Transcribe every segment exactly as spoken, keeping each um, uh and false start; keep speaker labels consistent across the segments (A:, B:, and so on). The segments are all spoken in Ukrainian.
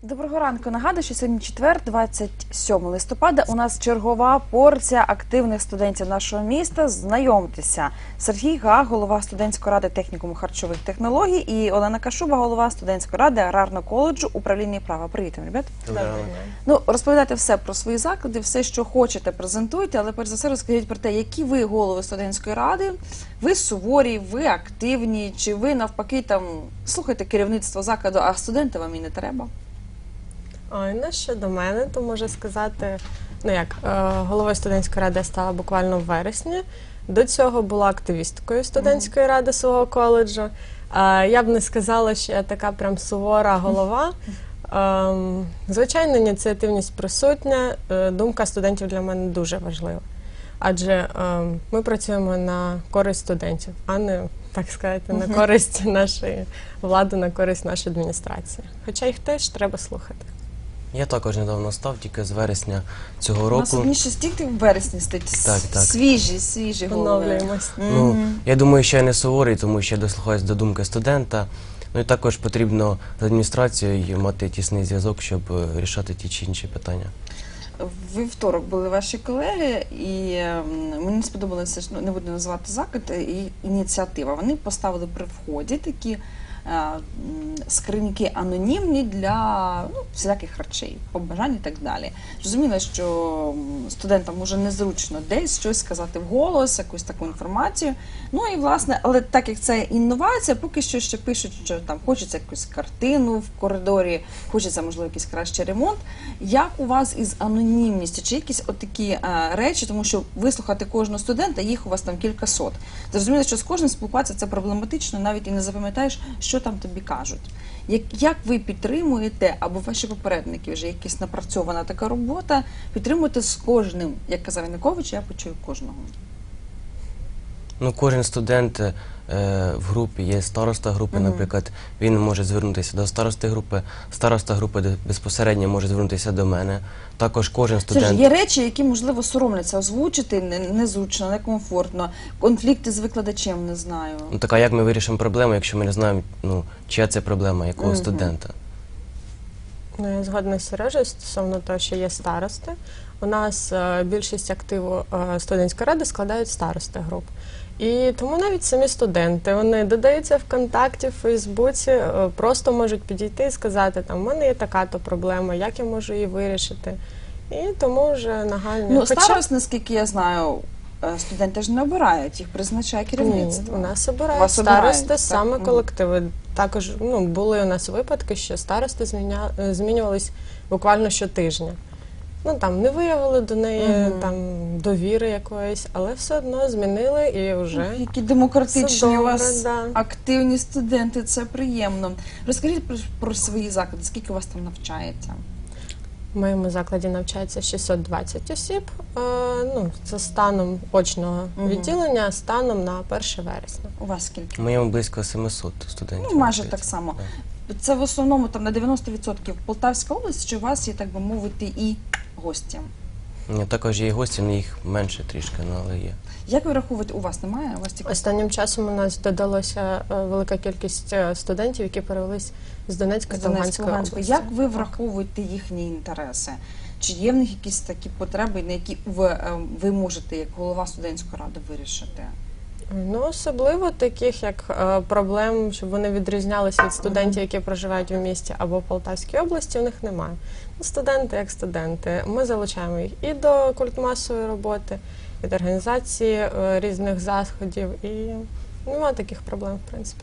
A: Доброго ранку. Нагадую, що сьогодні четвер, двадцять сьоме листопада. У нас чергова порція активних студентів нашого міста. Знайомтеся. Сергій Га, голова студентської ради технікуму харчових технологій, і Олена Кашуба, голова студентської ради аграрного коледжу управління права. Привіт, ребят. Ну, розповідайте все про свої заклади, все, що хочете, презентуйте, але перш за все розкажіть про те, які ви голови студентської ради, ви суворі, ви активні, чи ви навпаки там слухайте керівництво закладу, а студенти вам і не треба?
B: Ой, ну щодо мене, то можу сказати, ну як, головою студентської ради я стала буквально в вересні. До цього була активісткою студентської ради свого коледжу. Я б не сказала, що я така прям сувора голова. Звичайно, ініціативність присутня, думка студентів для мене дуже важлива. Адже ми працюємо на користь студентів, а не, так сказати, на користь нашої влади, на користь нашої адміністрації. Хоча їх теж треба слухати.
C: Я також недавно став, тільки з вересня цього року.
A: У нас одніше стільки в вересні стоїть.
C: Так, так.
A: Свіжі, свіжі голови.
B: Поновлюємось.
C: Ну, я думаю, що я не суворий, тому що я дослухаюсь до думки студента. Ну і також потрібно з адміністрацією мати тісний зв'язок, щоб рішати ті чи інші питання.
A: Ви вівторок були ваші колеги, і мені сподобалося, ну, не буду називати заклад, і ініціатива. Вони поставили при вході такі скриньки анонімні для ну, всіляких речей, побажань і так далі. Зрозуміло, що студентам може незручно десь щось сказати вголос, якусь таку інформацію. Ну і власне, але так як це інновація, поки що ще пишуть, що там хочеться якусь картину в коридорі, хочеться, можливо, якийсь кращий ремонт. Як у вас із анонімністю? Чи якісь отакі а, речі, тому що вислухати кожного студента, їх у вас там кількасот. Зрозуміло, що з кожним спілкуватися це проблематично, навіть і не запам'ятаєш, що там тобі кажуть. Як, як ви підтримуєте, або ваші попередники, вже якась напрацьована така робота, підтримуєте з кожним, як казав Янукович, я почую кожного?
C: Ну, кожен студент е, в групі, є староста групи, mm-hmm. наприклад, він може звернутися до старости групи, староста групи безпосередньо може звернутися до мене. Також кожен студент...
A: Це ж є речі, які, можливо, соромляться озвучити, незручно, некомфортно, конфлікти з викладачем, не знаю.
C: Ну, так, а як ми вирішимо проблему, якщо ми не знаємо, ну, чия це проблема, якого mm-hmm. студента?
B: Ну, я згодна з Сережею стосовно того, що є старости. У нас е, більшість активу е, студентської ради складають старости груп. І тому навіть самі студенти, вони додаються ВКонтакті, в Фейсбуці, е, просто можуть підійти і сказати, там, у мене є така-то проблема, як я можу її вирішити. І тому вже нагальні...
A: Ну,
B: Хоча...
A: старост, наскільки я знаю, студенти ж не обирають, їх призначає керівництво.
B: Ні, у нас обирають старости саме колективи. Також ну, були у нас випадки, що старости зміня... змінювались буквально щотижня. Ну, там, не виявили до неї угу. там, довіри якоїсь, але все одно змінили і вже...
A: Ох, які демократичні
B: добре,
A: у вас
B: да.
A: активні студенти, це приємно. Розкажіть про, про свої заклади, скільки у вас там навчається?
B: В моєму закладі навчається шістсот двадцять осіб, е, ну, це станом очного угу. відділення, станом на перше вересня.
A: У вас скільки?
C: У моєму близько сімсот студентів.
A: Ну, майже так само. Так. Це в основному там на дев'яносто відсотків Полтавська область, чи у вас є, так би мовити, і гості?
C: Ні, також є і гості, але їх менше трішки, але є.
A: Як ви рахуєте, у вас немає? У вас тільки...
B: Останнім часом у нас додалося велика кількість студентів, які перевелись з Донецької та Луганської області.
A: Як ви враховуєте їхні інтереси? Чи є в них якісь такі потреби, на які ви, ви можете, як голова студентської ради, вирішити?
B: Ну, особливо таких, як е, проблем, щоб вони відрізнялися від студентів, які проживають в місті або в Полтавській області, у них немає. Ну, студенти як студенти. Ми залучаємо їх і до культмасової роботи, і до організації е, різних заходів, і немає таких проблем, в принципі.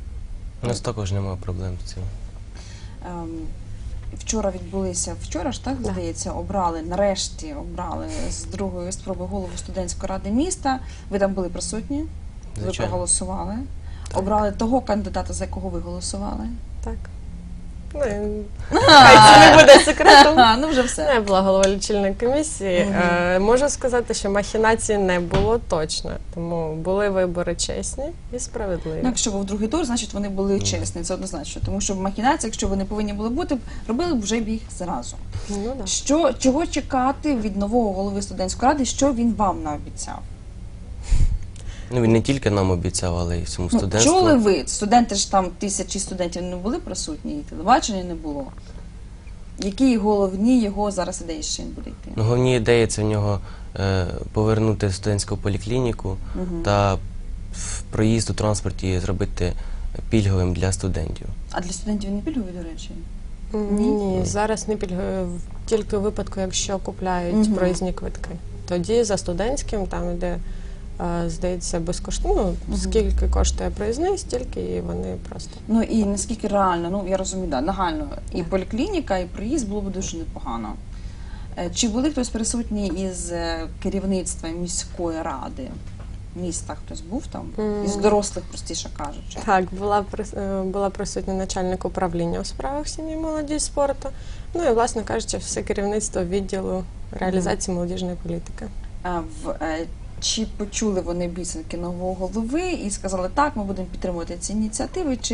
C: У нас також немає проблем з цим.
A: Ем, вчора відбулися, вчора ж, так, здається, обрали, нарешті обрали з другої спроби голову студентської ради міста. Ви там були присутні?
C: Звичайно.
A: Ви проголосували?
C: Так.
A: Обрали того кандидата, за якого ви голосували?
B: Так. Ну, хай це не буде секретом.
A: А, ну вже все.
B: Я була голова лічильної комісії. Угу. Е, можу сказати, що махінацій не було точно. Тому були вибори чесні і справедливі.
A: Ну, якщо був другий тур, значить вони були угу. чесні, це однозначно. Тому що в махінації, якщо вони повинні були бути, робили б вже їх зразу.
B: Ну, да.
A: Що, чого чекати від нового голови студентської ради, що він вам наобіцяв?
C: Ну, він не тільки нам обіцяв, але й всьому
A: Ну,
C: студентству.
A: чули ви? Студенти ж там, тисячі студентів не були присутні, і телебачення не було. Які головні його зараз ідеї, що він буде йти?
C: Ну, головні ідеї це в нього е, повернути студентську поліклініку
A: Мгм.
C: та в проїзд у транспорті зробити пільговим для студентів.
A: А для студентів не пільгові, до речі?
B: Ні, ні, зараз не пільгує в- тільки у випадку, якщо купляють
A: Мгм.
B: проїзні квитки. Тоді за студентським там йде, е, здається, безкоштовно. Ну,
A: Мгм.
B: скільки коштує проїзний, стільки і вони просто.
A: Ну і наскільки реально, ну я розумію, да, нагально, і поліклініка, і проїзд було б дуже непогано. Е, Чи були хтось присутній із е, керівництва міської ради? Міста хтось був там?
B: М.
A: Із дорослих, простіше кажучи.
B: Так, була прис- е, була присутня начальник управління у справах сім'ї, молоді і спорту. Ну і, власне кажучи, все керівництво відділу реалізації молодіжної політики.
A: А в, е, чи почули вони обіцянки нового голови і сказали, так, ми будемо підтримувати ці ініціативи, чи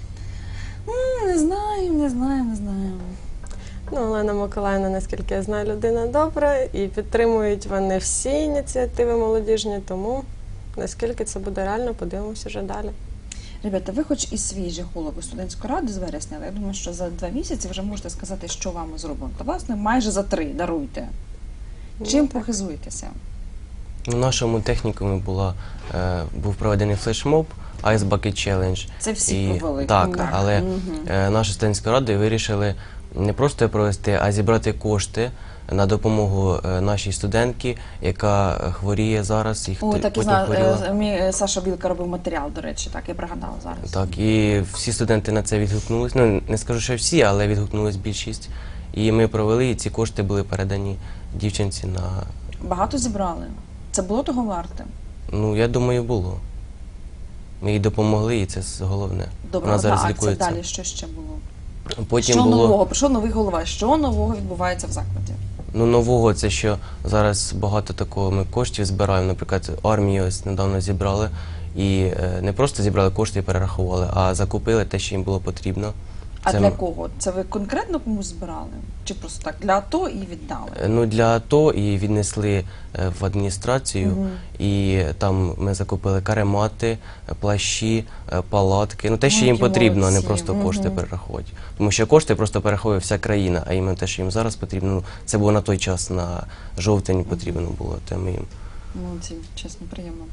A: «М, не знаю, не знаю, не знаю.
B: Ну, Олена Миколаївна, наскільки я знаю, людина добра, і підтримують вони всі ініціативи молодіжні, тому наскільки це буде реально, подивимося вже далі.
A: Ребята, ви хоч і свіжі голови студентської ради з вересня, але я думаю, що за два місяці вже можете сказати, що вам зроблено. Та власне майже за три, даруйте. Чим
B: Ну, так.
A: похизуєтеся?
C: У нашому технікумі була, е, був проведений флешмоб Ice Bucket Challenge.
A: Це всі провели.
C: Так,
B: Так.
C: але
A: Мгм.
C: е, наша студентська рада вирішили не просто провести, а зібрати кошти на допомогу е, нашій студентці, яка е, хворіє зараз. І
A: О,
C: хто-
A: так і
C: потім
A: знаю,
C: хворіла.
A: е, мій е, Саша Білка робив матеріал, до речі, так, я пригадала зараз.
C: Так, і всі студенти на це відгукнулись. Ну, не скажу, що всі, але відгукнулись більшість. І ми провели, і ці кошти були передані дівчинці на.
A: Багато зібрали. Це було того варте.
C: Ну, я думаю, було. Ми їй допомогли, і це головне.
A: Добре,
C: Вона
A: одна
C: зараз
A: акція,
C: лікується.
A: далі що ще було?
C: Потім
A: що
C: було
A: нового? Прийшов новий голова. Що нового відбувається в закладі?
C: ну, нового, це що зараз багато такого ми коштів збираємо. Наприклад, армію ось недавно зібрали. І е, не просто зібрали кошти і перерахували, а закупили те, що їм було потрібно.
A: А
C: Це
A: для
C: м-
A: кого? Це ви конкретно комусь збирали? Чи просто так для АТО і віддали?
C: Е, Ну, для АТО і віднесли е, в адміністрацію,
A: Мгм.
C: і там ми закупили каремати, е, плащі, е, палатки. Ну, те, що
A: Ну,
C: їм
A: які
C: потрібно, а не
A: молодці.
C: просто кошти
A: Мгм.
C: перераховувати. Тому що кошти просто перераховує вся країна, а іменно те, що їм зараз потрібно, ну, це було на той час, на жовтень потрібно було, то ми їм.
A: Ну, це чесно приємно.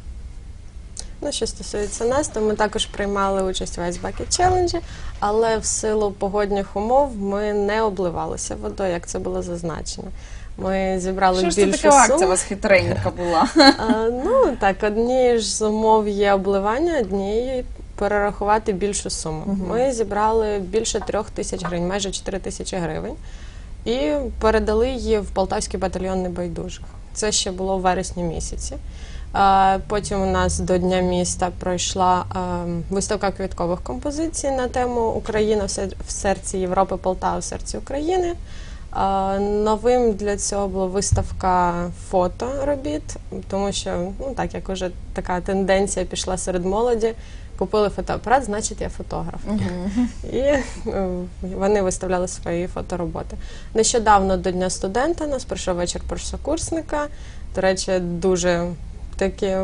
B: Ну, що стосується нас, то ми також приймали участь в Ice Bucket Challenge, але в силу погодних умов ми не обливалися водою, як це було зазначено. Ми зібрали
A: Що ж це
B: більшу
A: така акція у
B: суму.
A: вас хитренька була?
B: А, ну так, одні ж з умов є обливання, однієї перерахувати більшу суму.
A: Мгм.
B: Ми зібрали більше трьох тисяч гривень, майже чотири тисячі гривень, і передали її в Полтавський батальйон небайдужих. Це ще було в вересні місяці. А, Потім у нас до Дня міста пройшла а, виставка квіткових композицій на тему Україна в сер- в серці Європи, Полтава в серці України. А, Новим для цього була виставка фоторобіт, тому що, ну так як уже така тенденція пішла серед молоді, купили фотоапарат, значить я фотограф.
A: Мгм.
B: І е, вони виставляли свої фотороботи. Нещодавно до Дня студента нас пройшов вечір першокурсника. До речі, дуже такі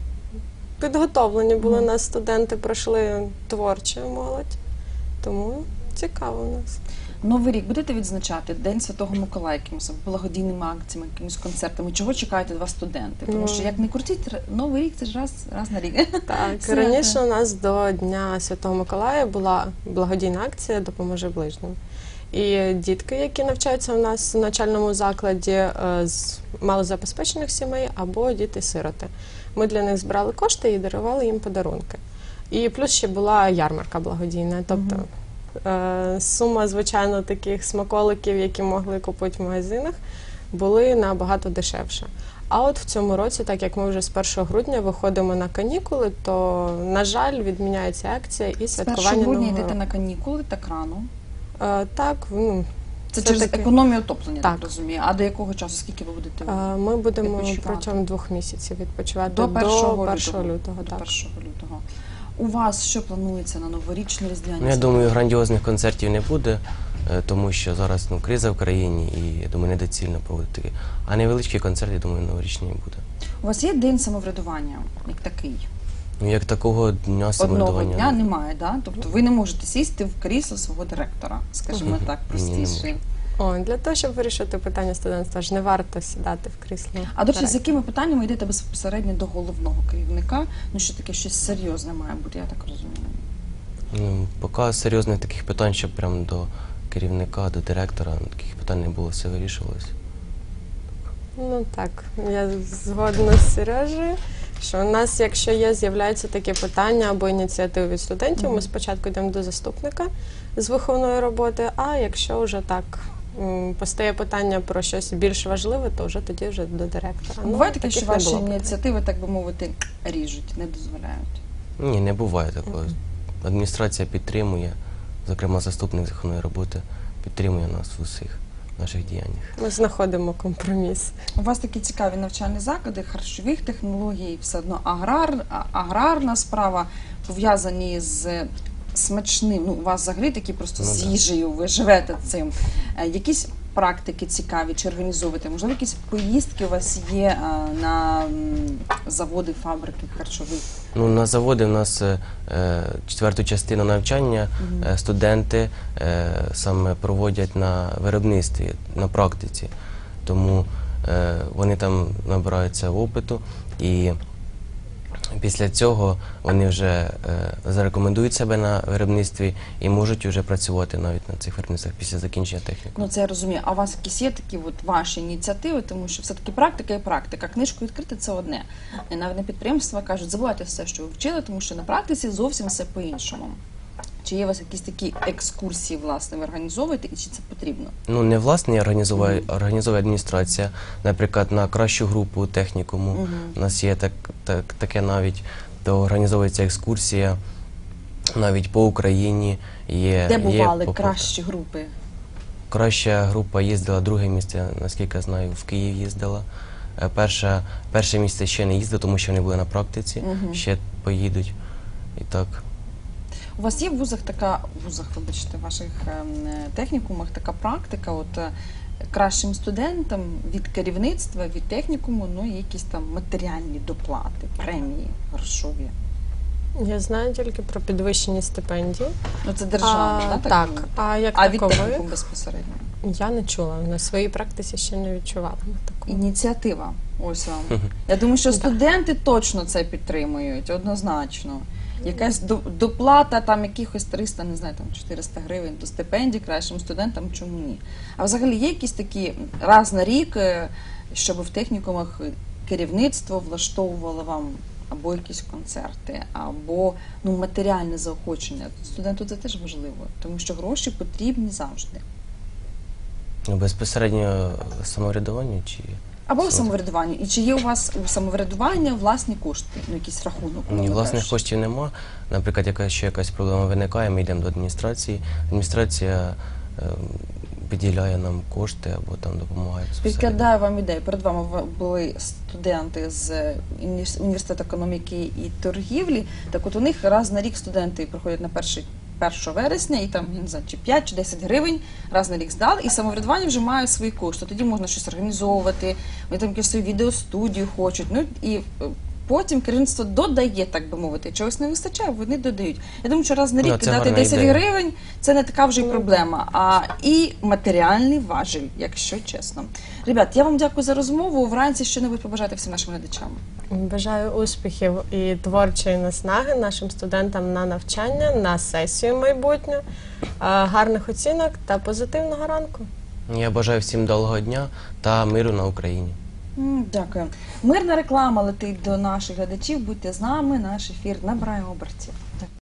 B: підготовлені були
A: Мгм.
B: нас студенти, пройшли творча молодь. Тому цікаво у нас.
A: Новий рік будете відзначати День Святого Миколая якимось благодійними акціями, якимись концертами? Чого чекають від вас студенти? Тому
B: Ну.
A: що як не крутіть, р- Новий рік це ж раз, раз на рік.
B: Так,
A: Свято.
B: раніше у нас до Дня Святого Миколая була благодійна акція «Допоможи ближнім». І дітки, які навчаються у нас в навчальному закладі е, з малозабезпечених сімей або діти-сироти, ми для них збирали кошти і дарували їм подарунки. І плюс ще була ярмарка благодійна. Тобто е, сума, звичайно, таких смаколиків, які могли купити в магазинах, були набагато дешевше. А от в цьому році, так як ми вже з першого грудня виходимо на канікули, то, на жаль, відміняється акція і
A: З
B: святкування
A: першого грудня
B: Нового
A: йдете
B: року.
A: на канікули так рано.
B: Е, Так, ну,
A: Це,
B: Це
A: через
B: таке.
A: економію отоплення, так.
B: Так.
A: розумію. А до якого часу? Скільки ви будете
B: е, ми будемо
A: Відпочивати.
B: протягом двох місяців відпочивати
A: до першого
B: першого
A: лютого?
B: лютого.
A: До
B: Так.
A: першого лютого. У вас що планується на новорічні різдвяні?
C: Ну, я
A: свята?
C: думаю, грандіозних концертів не буде, е, тому що зараз ну, криза в країні, і я думаю, недоцільно проводити. А невеличкі концерти, я думаю, новорічні буде.
A: У вас є день самоврядування, як такий?
C: Ну, як такого дня
A: Одного
C: самоврядування.
A: дня немає, да? Тобто ви не можете сісти в крісло свого директора, скажімо так,
C: Ні, не
A: простіше.
C: можу.
B: О, для того, щоб вирішити питання студентства, ж не варто сідати в крісло.
A: А до речі, з
B: директора.
A: якими питаннями йдете безпосередньо до головного керівника? Ну, що таке щось серйозне має бути, я так розумію.
C: Ну, поки серйозних таких питань, щоб прям до керівника, до директора, таких питань не було, все вирішувалося.
B: Ну так, я згодна з Сережею, що у нас, якщо є, з'являються такі питання або ініціативи від студентів, ми спочатку йдемо до заступника з виховної роботи, а якщо вже так м, постає питання про щось більш важливе, то вже тоді вже до директора. Ну,
A: Буває таке,
B: таких
A: що
B: не
A: ваші
B: було питань.
A: ініціативи, так би мовити, ріжуть, не дозволяють.
C: Ні, не буває такого. Адміністрація підтримує, зокрема заступник законної роботи, підтримує нас в усіх наших діяннях.
B: Ми знаходимо компроміс.
A: У вас такі цікаві навчальні заклади, харчових технологій, все одно аграр, а- аграрна справа, пов'язані з смачним. Ну, у вас взагалі такі просто
C: Ну,
A: з
C: да.
A: їжею, ви живете цим. Е, Якісь практики цікаві чи організовуєте? Можливо, якісь поїздки у вас є е, на м, заводи, фабрики харчових?
C: Ну, на заводі в нас е, е, четверту частину навчання е, студенти е, саме проводять на виробництві, на практиці. Тому е, вони там набираються опиту і після цього вони вже е, зарекомендують себе на виробництві і можуть вже працювати навіть на цих виробництвах після закінчення техніку.
A: Ну, це я розумію. А у вас якісь є такі от ваші ініціативи, тому що все-таки практика і практика. Книжку відкрити – це одне. І навіть на підприємства кажуть, забувайте все, що ви вчили, тому що на практиці зовсім все по-іншому. Чи є у вас якісь такі екскурсії, власне, ви організовуєте, і чи це потрібно?
C: Ну, не власне організовує, організовує адміністрація, наприклад, на кращу групу технікуму. У нас є так, так, таке навіть, то організовується екскурсія навіть по Україні. Є,
A: Де
C: є
A: бували
C: по-
A: кращі групи?
C: Краща група їздила, друге місце, наскільки я знаю, в Київ їздила. Е, Перше, перше місце ще не їздило, тому що вони були на практиці,
A: Мгм.
C: ще поїдуть. І так.
A: У вас є в вузах така, в вузах, вибачте, в ваших ем, технікумах така практика, от е, кращим студентам від керівництва, від технікуму, ну, є якісь там матеріальні доплати, премії грошові.
B: Я знаю тільки про підвищені стипендії.
A: Ну, це державне,
B: а,
A: да,
B: так,
A: би мовити?
B: а як
A: А від
B: такових
A: технікуму безпосередньо?
B: я не чула. На своїй практиці ще не відчувала такого.
A: Ініціатива. Ось вам. Я думаю, що студенти точно це підтримують, однозначно. Якась до- доплата, там якихось триста, не знаю, там чотириста гривень до стипендій кращим студентам, чому ні? А взагалі є якісь такі раз на рік, е, щоб в технікумах керівництво влаштовувало вам або якісь концерти, або ну, матеріальне заохочення. Студенту це теж важливо, тому що гроші потрібні завжди.
C: Ну, безпосередньо самоврядування чи.
A: Або в
C: Супер.
A: самоврядуванні. І чи є у вас у самоврядування власні кошти, ну якийсь рахунок?
C: Ні,
A: умовно
C: власних
A: кажучи?
C: коштів нема. Наприклад, якась ще якась проблема виникає, ми йдемо до адміністрації. Адміністрація е, виділяє нам кошти або там допомагає безпосередньо.
A: Підкладаю вам ідею. Перед вами в- були студенти з уні- університету економіки і торгівлі. Так от у них раз на рік студенти приходять на перший першого вересня і там, я не знаю, чи п'ять, чи десять гривень раз на рік здали, і самоврядування вже має свої кошти. Тоді можна щось організовувати, вони там якусь свою відеостудію хочуть. Ну і е, потім керівництво додає, так би мовити. Чогось не вистачає, вони додають. Я думаю, що раз на
C: Ну,
A: рік
C: це
A: кидати
C: гарна
A: десять
C: ідея.
A: гривень це не така вже й проблема, а і матеріальний важіль, якщо чесно. Ребят, я вам дякую за розмову. Вранці що-небудь побажати всім нашим глядачам.
B: Бажаю успіхів і творчої наснаги нашим студентам на навчання, на сесію майбутню, е, гарних оцінок та позитивного ранку.
C: Я бажаю всім довгого дня та миру на Україні.
A: М, Дякую. Мирна реклама летить до наших глядачів. Будьте з нами. Наш ефір набирає обертів.